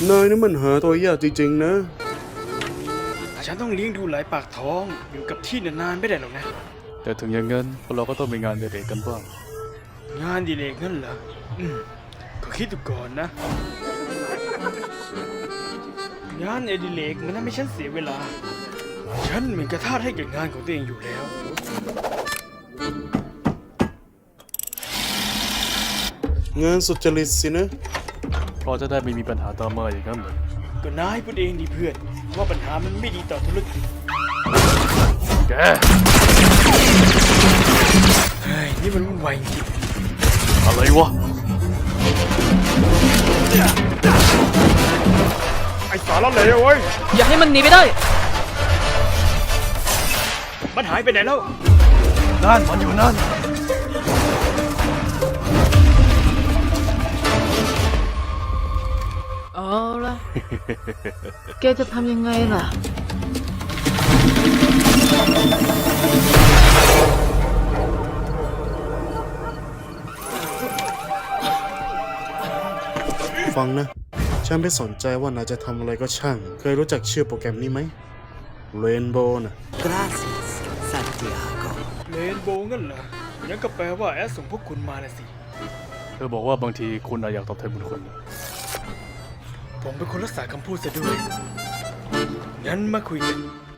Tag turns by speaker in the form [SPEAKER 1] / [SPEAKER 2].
[SPEAKER 1] นายนี่มันหาตัวยากจริงๆนะ
[SPEAKER 2] ฉันต้องเลี้ยงดูหลายปากท้องอยู่กับที่นานๆไม่ได้หรอกนะ
[SPEAKER 3] แต่ถึงอย่างนั้นพวกเราก็ต้องมีงานเด็กๆกันบ้าง
[SPEAKER 2] งานดีเลกนั่นเหรอก็คิดดูก่อนนะงานอดิเรกมันทำให้ฉันเสียเวลาฉันเหมือนกระทาสให้กับงานของตัวเองอยู่แล้ว
[SPEAKER 1] งานสุจริตสินะ
[SPEAKER 3] เพราะจะได้ไม่มีปัญหาตามมาอย่างนั้นเลย
[SPEAKER 2] ก็นายพูดเองดิเพื่อนว่าปัญหามันไม่ดีต่อธุรกิจ
[SPEAKER 3] แก
[SPEAKER 2] เฮ้ยนี่มันวุ่นวายจริง
[SPEAKER 3] อะไรวะ
[SPEAKER 2] ไอ้สารเลวเว้ย
[SPEAKER 4] อย่าให้มันหนีไปได้
[SPEAKER 2] มันหายไปไหนแล้ว
[SPEAKER 3] นั่นมันอยู่นั่น
[SPEAKER 4] เอาล่ะ แกจะทำยังไงล่ะ
[SPEAKER 1] ฟังนะฉันไม่สนใจว่านายจะทำอะไรก็ช่างเคยรู้จักชื่อโปรแกรมนี้ไหมเรนโบว์นะ
[SPEAKER 5] Gracias, Santiago.
[SPEAKER 2] เรนโบว์งั้นเหรองั้นก็แปลว่าแอดส่งพวกคุณมาน่ะสิ
[SPEAKER 3] เธอบอกว่าบางทีคุณอยากตอบแทนบุญคุณนะ
[SPEAKER 2] ผมเป็นคนรักษาคำพูดซะด้วยงั้นมาคุยกัน